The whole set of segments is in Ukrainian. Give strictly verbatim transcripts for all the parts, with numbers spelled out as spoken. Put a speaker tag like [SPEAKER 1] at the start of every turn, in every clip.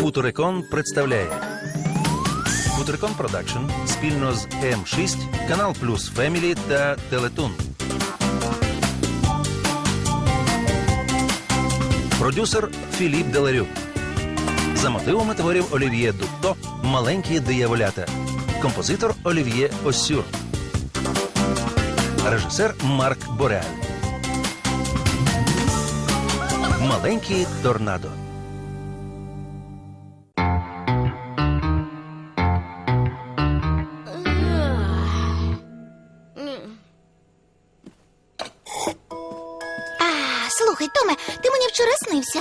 [SPEAKER 1] Футурекон представляє Футурекон Продакшн спільно з Ем шість, Канал Плюс Фемілі та Телетун. Продюсер Філіп Деларюк. За мотивами творів Олів'є Дутто «Маленькі дияволята». Композитор Олів'є Оссюр. Режисер Марк Бореаль. «Маленькі торнадо».
[SPEAKER 2] Слухай, Томе, ти мені вчора снився.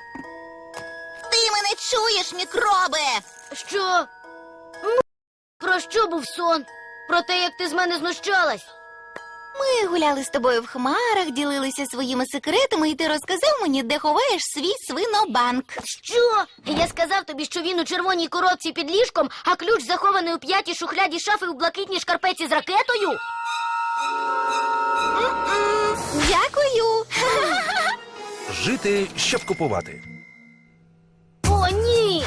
[SPEAKER 2] Ти мене чуєш, мікроби?
[SPEAKER 3] Що? Ну, про що був сон? Про те, як ти з мене знущалась?
[SPEAKER 2] Ми гуляли з тобою в хмарах, ділилися своїми секретами, і ти розказав мені, де ховаєш свій свинобанк.
[SPEAKER 3] Що? Я сказав тобі, що він у червоній коробці під ліжком, а ключ захований у п'ятій шухляді шафи у блакитній шкарпеці з ракетою?
[SPEAKER 2] М-м, Дякую.
[SPEAKER 1] Жити, щоб купувати.
[SPEAKER 3] О, ні!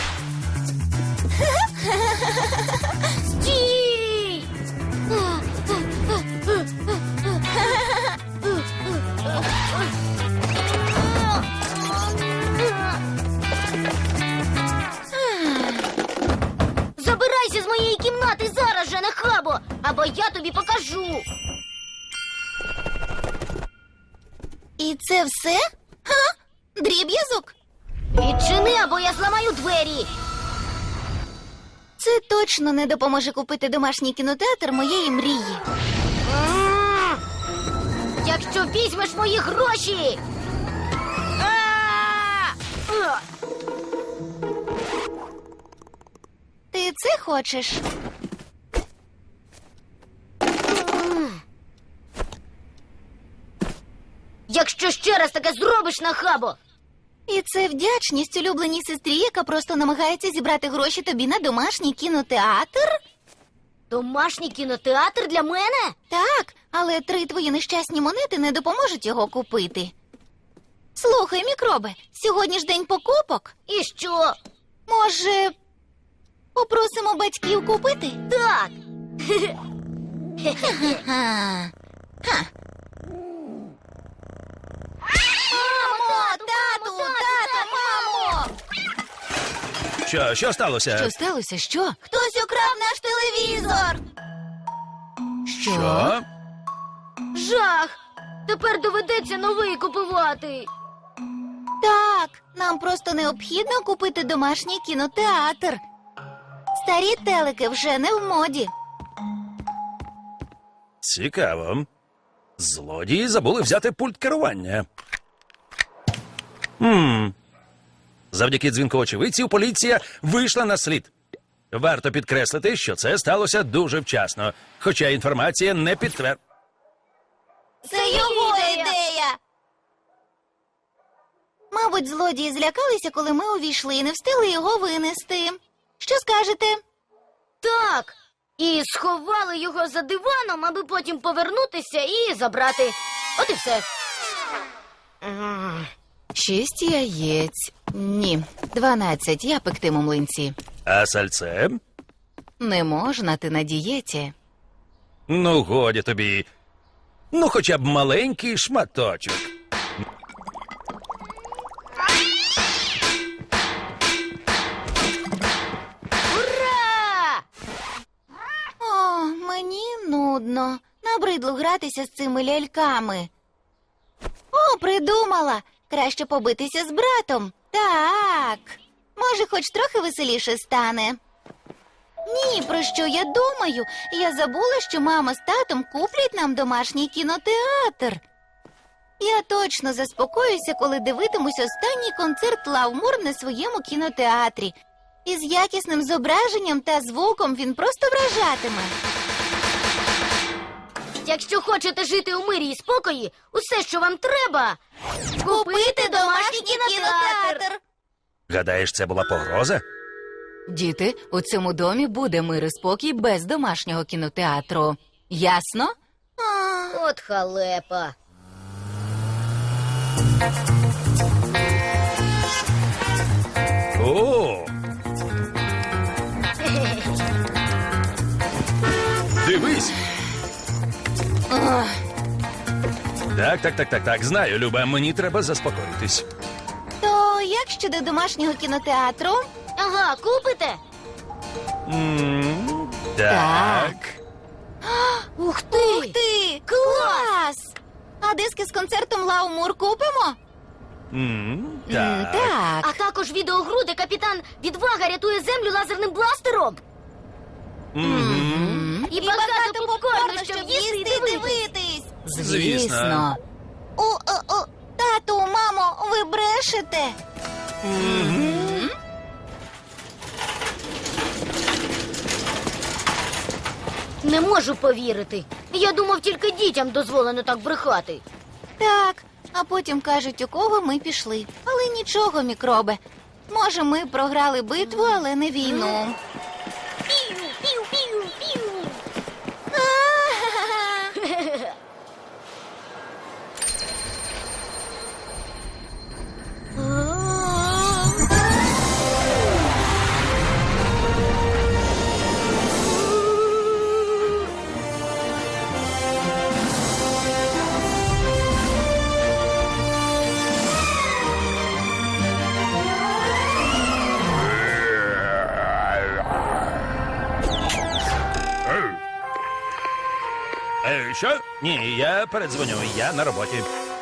[SPEAKER 3] Стій! Забирайся з моєї кімнати зараз же, нахабо, або я тобі покажу.
[SPEAKER 2] І це все? Ха? Дріб'язок?
[SPEAKER 3] Відчини, або я зламаю двері.
[SPEAKER 2] Це точно не допоможе купити домашній кінотеатр моєї мрії.
[SPEAKER 3] М! Якщо візьмеш мої гроші. А! А!
[SPEAKER 2] Ти це хочеш?
[SPEAKER 3] Якщо ще раз таке зробиш, нахабо.
[SPEAKER 2] І це вдячність улюбленій сестрі, яка просто намагається зібрати гроші тобі на домашній кінотеатр?
[SPEAKER 3] Домашній кінотеатр для мене?
[SPEAKER 2] Так, але три твої нещасні монети не допоможуть його купити. Слухай, мікроби, сьогодні ж день покупок.
[SPEAKER 3] І що?
[SPEAKER 2] Може, попросимо батьків купити?
[SPEAKER 3] Так.
[SPEAKER 2] Ха. Ха. Мамо, тату, тата, мамо!
[SPEAKER 1] Що, що сталося?
[SPEAKER 4] Що сталося? Що?
[SPEAKER 2] Хтось украв наш телевізор!
[SPEAKER 1] Що?
[SPEAKER 3] Жах. Тепер доведеться новий купувати.
[SPEAKER 2] Так, нам просто необхідно купити домашній кінотеатр. Старі телики вже не в моді.
[SPEAKER 1] Цікаво. Злодії забули взяти пульт керування. Хм. Завдяки дзвінку очевидців поліція вийшла на слід. Варто підкреслити, що це сталося дуже вчасно, хоча інформація не підтвер...
[SPEAKER 2] Це його ідея! Мабуть, злодії злякалися, коли ми увійшли і не встигли його винести. Що скажете?
[SPEAKER 3] Так. І сховали його за диваном, аби потім повернутися і забрати. От і все.
[SPEAKER 4] Шість яєць. Ні, дванадцять. Я пектиму млинці.
[SPEAKER 1] А сальце?
[SPEAKER 4] Не можна, ти на дієті.
[SPEAKER 1] Ну, годі тобі. Ну, хоча б маленький шматочок.
[SPEAKER 3] Ура!
[SPEAKER 2] О, мені нудно. Набридло гратися з цими ляльками. О, придумала! Краще побитися з братом. Так. Може, хоч трохи веселіше стане. Ні, про що я думаю? Я забула, що мама з татом куплять нам домашній кінотеатр. Я точно заспокоюся, коли дивитимусь останній концерт Лавмур на своєму кінотеатрі. Із якісним зображенням та звуком він просто вражатиме.
[SPEAKER 3] Якщо хочете жити у мирі і спокої, усе, що вам треба – купити домашній кінотеатр.
[SPEAKER 1] Гадаєш, це була погроза?
[SPEAKER 4] Діти, у цьому домі буде мир і спокій без домашнього кінотеатру. Ясно?
[SPEAKER 2] А,
[SPEAKER 3] От халепа.
[SPEAKER 1] О, Так, так, так, так, так. Знаю, Люба, мені треба заспокоїтись.
[SPEAKER 2] То як щодо домашнього кінотеатру?
[SPEAKER 3] Ага, купите?
[SPEAKER 1] М, Так.
[SPEAKER 3] Ух ти!
[SPEAKER 2] Ух ти! Клас! А диски з концертом Лаумур купимо?
[SPEAKER 1] М,
[SPEAKER 4] М,
[SPEAKER 1] Так.
[SPEAKER 4] Так.
[SPEAKER 3] А також відеогру, де капітан Відвага рятує землю лазерним бластером.
[SPEAKER 1] Мгм.
[SPEAKER 3] І, багато попкорну, щоб їсти і дивитись.
[SPEAKER 2] дивитись.
[SPEAKER 4] Звісно.
[SPEAKER 2] О, о, о, тату, мамо, ви брешете?
[SPEAKER 3] Не можу повірити. Я думав, тільки дітям дозволено так брехати.
[SPEAKER 2] Так, а потім кажуть, у кого ми пішли. Але нічого, мікроби. Може, ми програли битву, але не війну.
[SPEAKER 3] Пів, пів, пів, пів.
[SPEAKER 1] Е, Що? Ні, я передзвоню, я на роботі.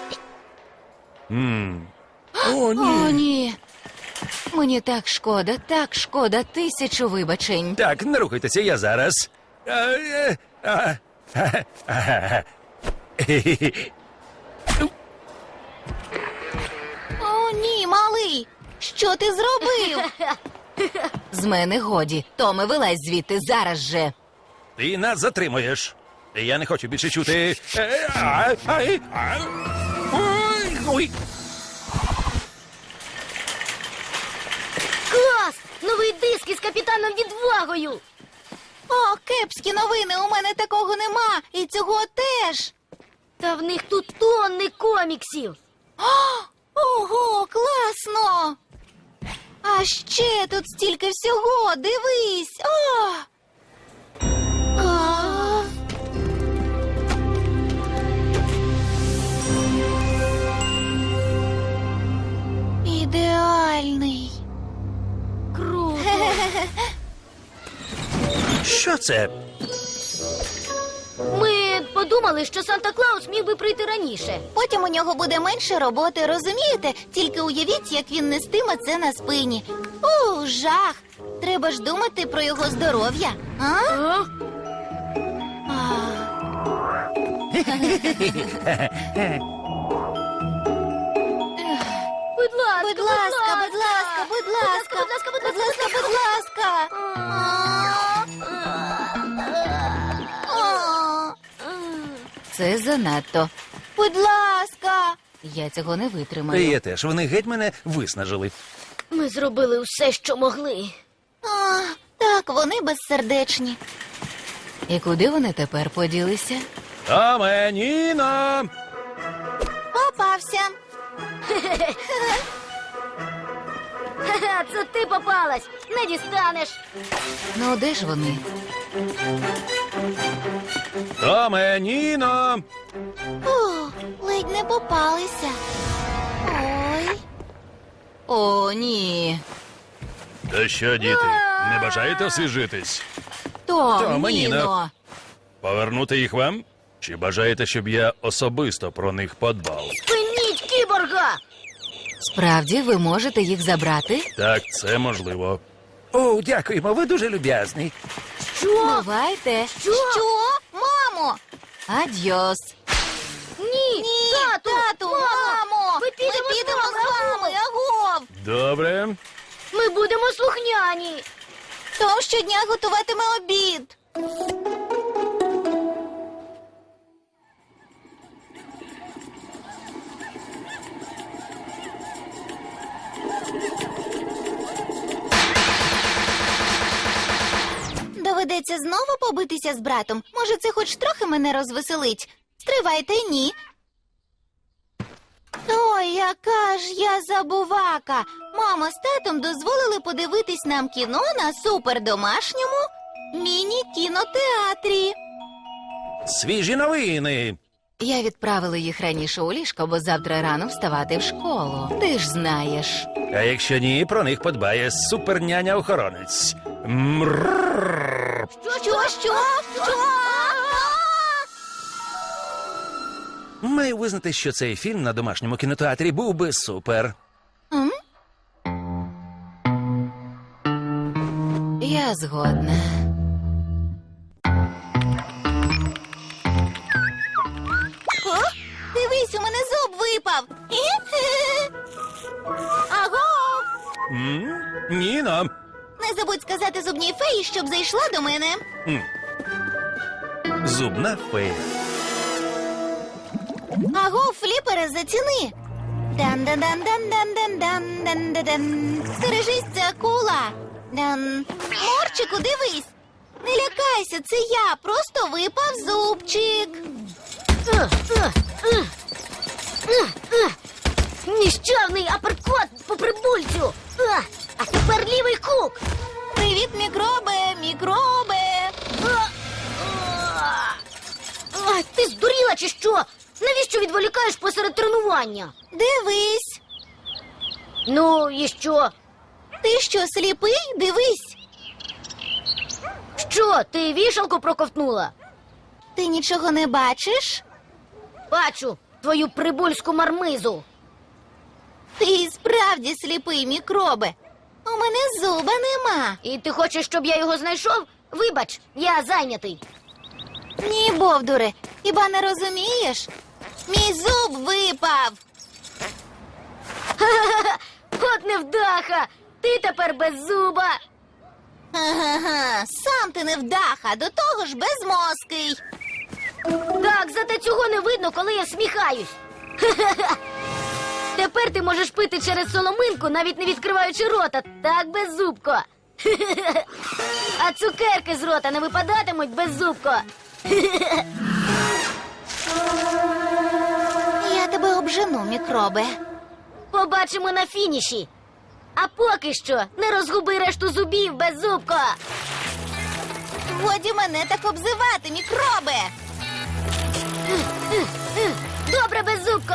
[SPEAKER 1] М. О,
[SPEAKER 4] О,
[SPEAKER 1] ні.
[SPEAKER 4] ні. Мені так шкода, так шкода, тисячу вибачень.
[SPEAKER 1] Так, не рухайтеся, я зараз. А, е, а, а, а, хе-хе-хе.
[SPEAKER 2] О, ні, малий. Що ти зробив?
[SPEAKER 4] З мене годі. Томе, вилазь звідти зараз же.
[SPEAKER 1] Ти нас затримуєш. Я не хочу більше чути. Е, а, ай, а. Ой, ой.
[SPEAKER 3] Клас! Новий диск із капітаном Відвагою.
[SPEAKER 2] О, кепські новини, у мене такого нема. І цього теж.
[SPEAKER 3] Та в них тут тонни коміксів.
[SPEAKER 2] Ого, класно! А ще тут стільки всього, дивись. О! А! Ідеальний.
[SPEAKER 3] Круто.
[SPEAKER 1] Що це?
[SPEAKER 3] Ми подумали, що Санта-Клаус міг би прийти раніше.
[SPEAKER 2] Потім у нього буде менше роботи, розумієте? Тільки уявіть, як він нестиме це на спині. У, жах! Треба ж думати про його здоров'я. А?
[SPEAKER 3] А?
[SPEAKER 2] А.
[SPEAKER 3] Будь ласка,
[SPEAKER 2] Будь ласка, будь ласка, будь ласка,
[SPEAKER 3] будь ласка, будь
[SPEAKER 2] будь
[SPEAKER 3] ласка,
[SPEAKER 2] ласка, будь ласка. А.
[SPEAKER 4] Це занадто.
[SPEAKER 2] Будь ласка.
[SPEAKER 4] Я цього не
[SPEAKER 1] І
[SPEAKER 4] витримаю.
[SPEAKER 1] я теж, вони геть мене виснажили.
[SPEAKER 3] Ми зробили усе, що могли.
[SPEAKER 2] А, так, вони безсердечні.
[SPEAKER 4] І куди вони тепер поділися?
[SPEAKER 1] Томе, Ніно!
[SPEAKER 2] Попався.
[SPEAKER 3] Ха-ха, це ти попалась. Не дістанеш.
[SPEAKER 4] Ну, де ж вони?
[SPEAKER 1] Томе, Ніно!
[SPEAKER 2] О, ледь не попалися. Ой.
[SPEAKER 4] О, ні.
[SPEAKER 1] Та що, діти, не бажаєте освіжитись?
[SPEAKER 4] Том,
[SPEAKER 1] Томе, Ніно.
[SPEAKER 4] Ніно.
[SPEAKER 1] Повернути їх вам? Чи бажаєте, щоб я особисто про них подбав?
[SPEAKER 3] Спиніть кіборга!
[SPEAKER 4] Справді, ви можете їх забрати?
[SPEAKER 1] Так, це можливо. О, дякуємо, ви дуже люб'язний.
[SPEAKER 3] Що?
[SPEAKER 4] Бувайте.
[SPEAKER 3] Що?
[SPEAKER 2] Що? Мамо?
[SPEAKER 4] Адьос.
[SPEAKER 3] Ні,
[SPEAKER 2] Ні,
[SPEAKER 3] тату,
[SPEAKER 2] тату, мамо.
[SPEAKER 3] Ми підемо,
[SPEAKER 2] Ми підемо
[SPEAKER 3] з
[SPEAKER 2] з
[SPEAKER 3] вами,
[SPEAKER 2] вами, агов.
[SPEAKER 1] Добре.
[SPEAKER 3] Ми будемо слухняні.
[SPEAKER 2] Том щодня готуватиме обід. Доведеться знову побитися з братом. Може, це хоч трохи мене розвеселить. Стривайте, ні. Ой, яка ж я забувака. Мама з татом дозволили подивитись нам кіно на супердомашньому міні-кінотеатрі.
[SPEAKER 1] Свіжі новини.
[SPEAKER 4] Я відправила їх раніше у ліжко, бо завтра рано вставати в школу. Ти ж знаєш.
[SPEAKER 1] А якщо ні, про них подбає суперняня-охоронець. Мрррррр.
[SPEAKER 2] Що, що, що?
[SPEAKER 1] Маю визнати, що цей фільм на домашньому кінотеатрі був би супер.
[SPEAKER 2] М?
[SPEAKER 4] Я згодна.
[SPEAKER 2] О, дивись, у мене зуб випав. Аго!
[SPEAKER 1] М? Ніно.
[SPEAKER 2] Не забудь сказати зубній феї, щоб зайшла до мене.
[SPEAKER 1] М. Зубна фея.
[SPEAKER 2] Аго, фліпере, заціни. Дан-дан-дан-дан-дан-дан-дан-дан-дан. Стережись, це акула. Дан. Морчику, дивись. Не лякайся, це я. Просто випав зубчик.
[SPEAKER 3] Е, е, е. Е, е. Ніщавний аперкот по прибульцю. Е, А тепер лівий кук.
[SPEAKER 2] Привіт, мікроби, мікроби.
[SPEAKER 3] Е, е. Ай, ти здуріла чи що? Навіщо відволікаєш посеред тренування?
[SPEAKER 2] Дивись.
[SPEAKER 3] Ну, і що?
[SPEAKER 2] Ти що, сліпий? Дивись.
[SPEAKER 3] Що, ти вішалку проковтнула?
[SPEAKER 2] Ти нічого не бачиш?
[SPEAKER 3] Бачу твою прибульську мармизу.
[SPEAKER 2] Ти і справді сліпий, мікроби. У мене зуба нема.
[SPEAKER 3] І ти хочеш, щоб я його знайшов? Вибач, я зайнятий.
[SPEAKER 2] Ні, бовдуре, хіба не розумієш? Мій зуб випав.
[SPEAKER 3] Ха-ха-ха! От невдаха! Ти тепер без зуба!
[SPEAKER 2] Ага, сам ти невдаха, до того ж безмозкий.
[SPEAKER 3] Так, зате цього не видно, коли я сміхаюсь. Ха-ха-ха! Тепер ти можеш пити через соломинку, навіть не відкриваючи рота. Так, беззубко. Хе-хе-хе. А цукерки з рота не випадатимуть беззубко. Хе-хе-хе.
[SPEAKER 2] Я тебе обжену, мікроби.
[SPEAKER 3] Побачимо на фініші. А поки що не розгуби решту зубів, беззубко.
[SPEAKER 2] Годі мене так обзивати, мікроби.
[SPEAKER 3] Добре, беззубко.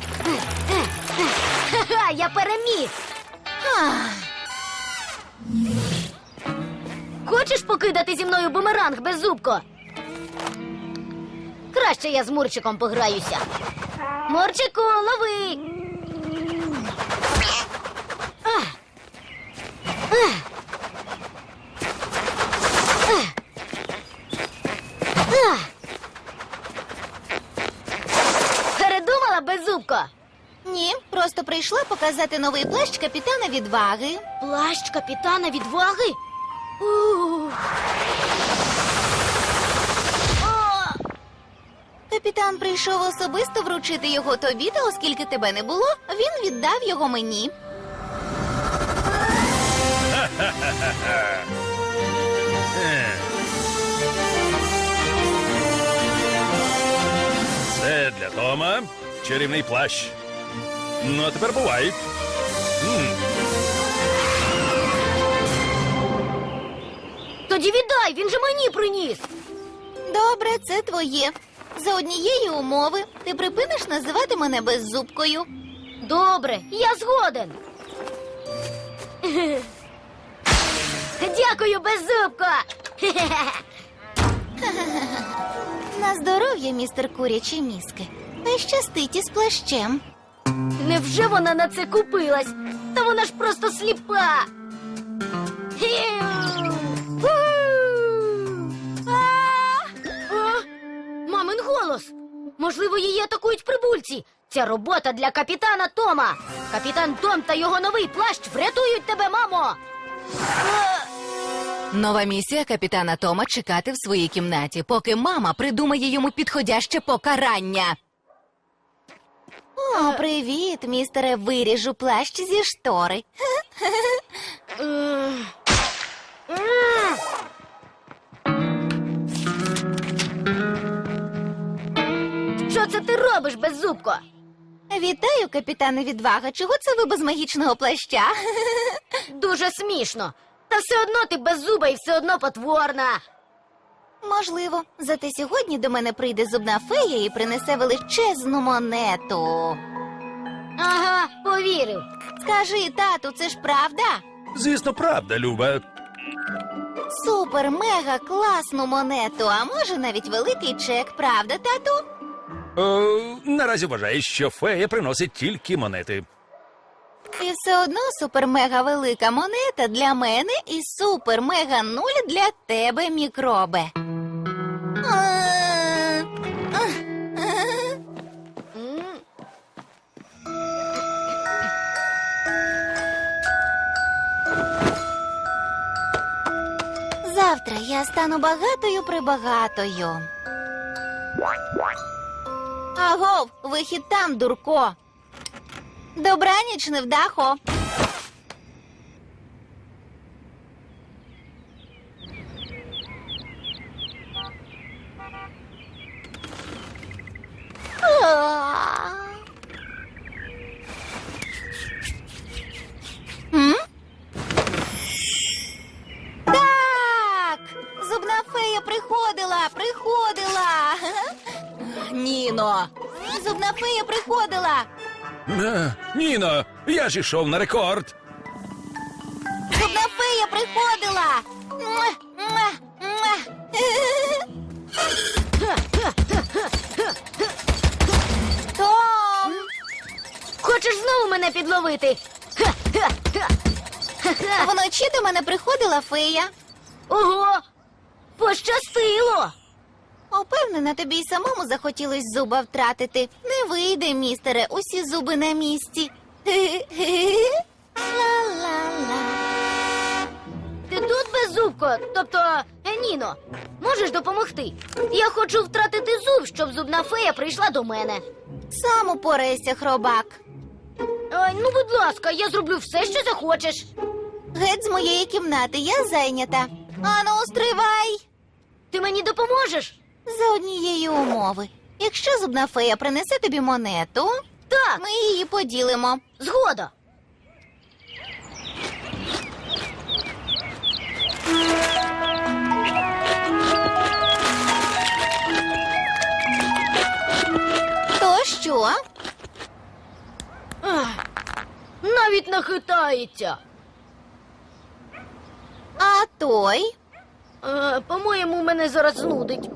[SPEAKER 3] Ха-ха, я переміг.
[SPEAKER 2] Ах,
[SPEAKER 3] Хочеш покидати зі мною бумеранг, беззубко? Краще я з Мурчиком пограюся. Мурчику, лови! Ах. Ах. Ах. Ах. Передумала, беззубко?
[SPEAKER 2] ні, просто прийшла показати новий плащ капітана відваги.
[SPEAKER 3] Плащ капітана відваги? Ух. О!
[SPEAKER 2] Капітан прийшов особисто вручити його тобі, та оскільки тебе не було, він віддав його мені.
[SPEAKER 1] Е. Це для Тома чарівний плащ. Ну, а тепер бувай. М.
[SPEAKER 3] Тоді віддай, він же мені приніс.
[SPEAKER 2] Добре, це твоє. За однієї умови ти припиниш називати мене беззубкою.
[SPEAKER 3] Добре, я згоден. Дякую, беззубко.
[SPEAKER 2] На здоров'я, містер Курячі мізки. Та й щастить із плащем.
[SPEAKER 3] Невже вона на це купилась? Та вона ж просто сліпа. А? Мамин голос. Можливо, її атакують прибульці. Ця робота для капітана Тома. Капітан Том та його новий плащ врятують тебе, мамо.
[SPEAKER 4] Нова місія капітана Тома чекати в своїй кімнаті, поки мама придумає йому підходяще покарання.
[SPEAKER 2] О, привіт, містере, виріжу плащ зі штори.
[SPEAKER 3] М. М. Що це ти робиш, беззубко?
[SPEAKER 2] Вітаю, капітане відвага. Чого це ви без магічного плаща?
[SPEAKER 3] Дуже смішно. Та все одно ти беззуба і все одно потворна.
[SPEAKER 2] Можливо, зате сьогодні до мене прийде зубна фея і принесе величезну монету.
[SPEAKER 3] Ага, повірив.
[SPEAKER 2] Скажи, тату, це ж правда?
[SPEAKER 1] Звісно, правда, Люба.
[SPEAKER 2] Супер, мега класну монету, а може навіть великий чек, правда, тату?
[SPEAKER 1] О, наразі вважаю, що фея приносить тільки монети.
[SPEAKER 2] І все одно супер-мега велика монета для мене і супер-мега нуль для тебе, мікробе. А, а, а.
[SPEAKER 3] М.
[SPEAKER 2] Завтра я стану багатою-прибагатою. Агов, вихід там, дурко. Добраніч, невдахо. А. М? Так! Зубна фея приходила, приходила. Ніно. Зубна фея приходила.
[SPEAKER 1] Е, Ніно, я ж ішов на рекорд.
[SPEAKER 2] Зубна фея приходила. Муа, муа, муа. Том!
[SPEAKER 3] Хочеш знову мене підловити? Ха-ха-ха. Ха-ха.
[SPEAKER 2] Вночі до мене приходила фея.
[SPEAKER 3] Ого! Пощастило!
[SPEAKER 2] Упевнена, тобі й самому захотілось зуба втратити. Не вийде, містере, усі зуби на місці. Ла-ла-ла.
[SPEAKER 3] Ти тут, беззубко? Тобто, е, Ніно, можеш допомогти? Я хочу втратити зуб, щоб зубна фея прийшла до мене.
[SPEAKER 2] Сам упорайся, хробак.
[SPEAKER 3] Ой, ну, будь ласка, я зроблю все, що захочеш.
[SPEAKER 2] Геть з моєї кімнати, я зайнята. Ану, стривай.
[SPEAKER 3] Ти мені допоможеш?
[SPEAKER 2] За однієї умови. Якщо зубна фея принесе тобі монету,
[SPEAKER 3] Так,
[SPEAKER 2] ми її поділимо.
[SPEAKER 3] згода.
[SPEAKER 2] То що?
[SPEAKER 3] Ах, навіть не хитається.
[SPEAKER 2] А той?
[SPEAKER 3] Е, по-моєму, мене зараз знудить.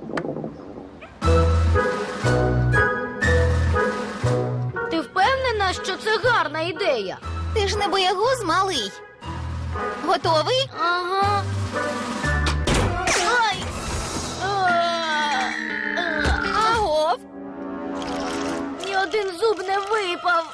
[SPEAKER 3] Ти впевнена, що це гарна ідея?
[SPEAKER 2] Ти ж не боягуз, малий. Готовий?
[SPEAKER 3] Ага. Ай! А, а,
[SPEAKER 2] Агов.
[SPEAKER 3] Ні один зуб не випав.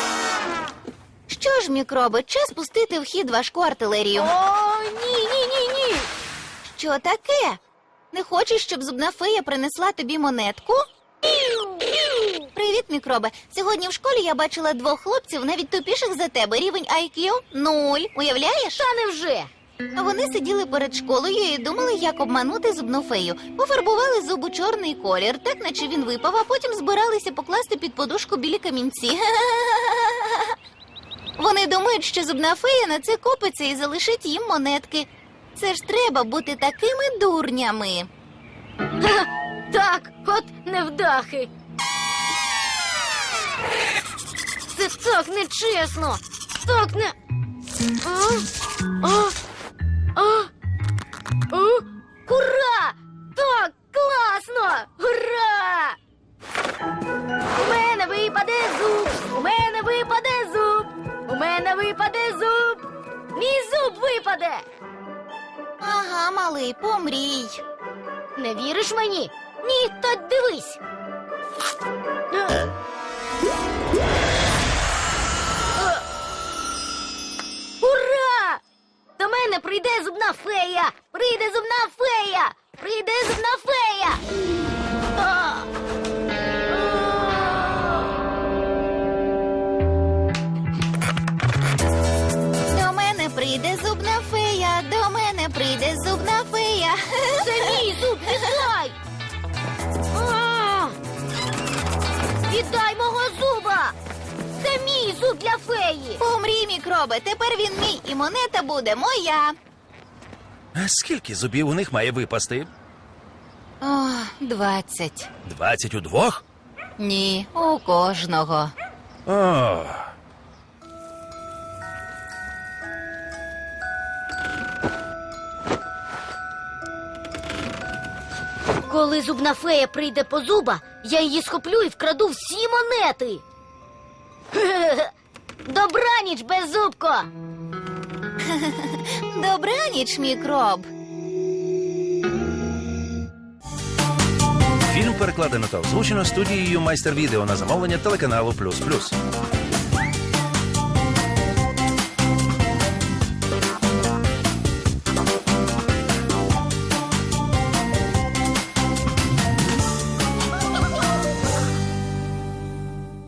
[SPEAKER 2] Що ж, мікроби, час пустити в хід важку артилерію.
[SPEAKER 3] О, ні, ні, ні, ні.
[SPEAKER 2] Що таке? Не хочеш, щоб зубна фея принесла тобі монетку? Привіт, мікробе. Сьогодні в школі я бачила двох хлопців, навіть тупіших за тебе. Рівень ай к'ю – нуль. Уявляєш?
[SPEAKER 3] Та невже?
[SPEAKER 2] Вони сиділи перед школою і думали, як обманути зубну фею. Пофарбували зуб у чорний колір, так наче він випав, а потім збиралися покласти під подушку білі камінці. Вони думають, що зубна фея на це купиться і залишить їм монетки. Це ж треба бути такими дурнями.
[SPEAKER 3] Ха, так, от невдахи. Це так нечесно. Так не. А? А? А? А? Ура! Так, класно! Ура! У мене випаде зуб! У мене випаде зуб! У мене випаде зуб! Мій зуб випаде!
[SPEAKER 2] Ага, малий, помрій.
[SPEAKER 3] Не віриш мені? Ні, то дивись. Е. Е. Ура! До мене прийде зубна фея! Прийде зубна фея! Прийде зубна фея! А.
[SPEAKER 2] До мене прийде зубна фея, до мене прийде зубна фея.
[SPEAKER 3] Це мій зуб, віддай! А! Віддай мого зуба! Це мій зуб для феї!
[SPEAKER 2] Помрій, мікроби, тепер він мій, і монета буде моя.
[SPEAKER 1] А скільки зубів у них має випасти?
[SPEAKER 2] О,
[SPEAKER 4] Двадцять.
[SPEAKER 1] Двадцять удвох?
[SPEAKER 4] Ні, у кожного.
[SPEAKER 1] О,
[SPEAKER 3] Коли зубна фея прийде по зуба, я її схоплю і вкраду всі монети. Добраніч, беззубко!
[SPEAKER 2] добраніч, мікроб.
[SPEAKER 1] фільм перекладено та озвучено студією Майстер Відео на замовлення телеканалу Плюс Плюс.